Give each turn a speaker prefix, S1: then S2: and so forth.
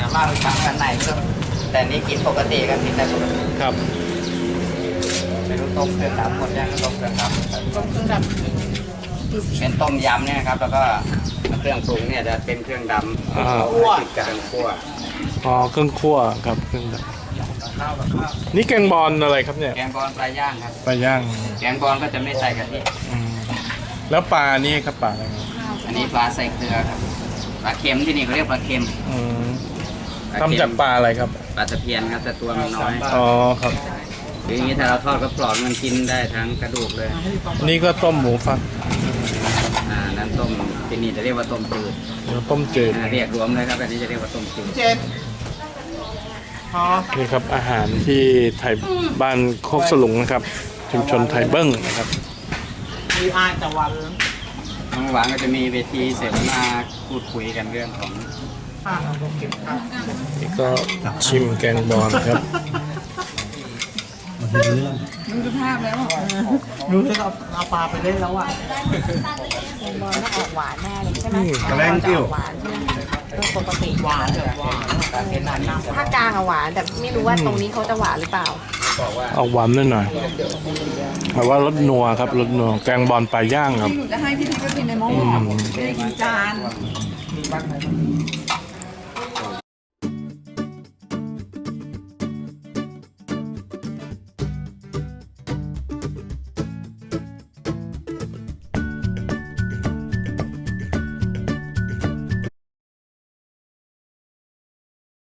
S1: จะเล่าให้ฟังกันไหนก็แต่นี่กินปกติกันกินได้ปกติ
S2: ครับ
S1: ไม่รู้ต้มเครื่องดำหมดยังต้มเครื่องดำต้มเครื่องดำเป็นต้มยำเนี่ยครับแล้วก็เครื่องปรุงเนี่ยจะเป็นเครื่องดำคั่วเครื่องคั่ว
S2: อ๋อเครื่องคั่วครับเครื่องดำนี่แกงบอลอะไรครับเนี่ย
S1: แกงบอลปลาย่างครับ
S2: ปลาย่าง
S1: แกงบอลก็จะไม่ใส่กะทิ
S2: แล้วปลานี่ครับปลาอะไร
S1: อันนี้ปลาใส่เกลือครับปลาเค็มที่นี่เขาเรียกปลาเค็ม
S2: ทำจากปลาอะไรครับ
S1: ปลาตะเพียนครับแต่ตัวมันน้อย
S2: อ๋อครับ
S1: อย่างนี้ถ้าเราทอดก็ปลอกมันกินได้ทั้งกระดูกเลย
S2: นี่ก็ต้มหมูฟัก
S1: นั้นต้มที่นี่จะเรียกว่าต้มจืด
S2: ต้มจืด
S1: เรียกรวมเลยครับอันนี้จะเรียกว่าต้มจืด
S2: นี่ครับอาหารที่ไทยบ้านโคกสลุงนะครับชุมชนไทยเบิ้งนะครับ
S1: มีอาตะวันบางวันก็จะมีเวทีเสวนาพูดคุยกันเรื่องของ
S2: นี่ก็ชิมแกงบอลครับ
S3: ดูสภาพแล้วดูที่เอาปลาไปเล่นแล้วอ่ะ
S4: แกงบอลน่าออกหวานแน่เลยใช่ไหม
S2: แรงกิ้ว
S4: หวานใช่ไหมปกติ
S3: หวานแบบหวาน
S4: ภาคกลางอะหวานแต่ไม่รู้ว่าตรงนี้เขาจะหวานหรือเปล่า
S2: ออกหวานนิดหน่อยแต่ว่ารสนัวครับรสนัวแกงบอลปลาย่างครับ
S3: หนูจะให้พี่ทิพย์ไปกินในหม้อไม่ได้กินจาน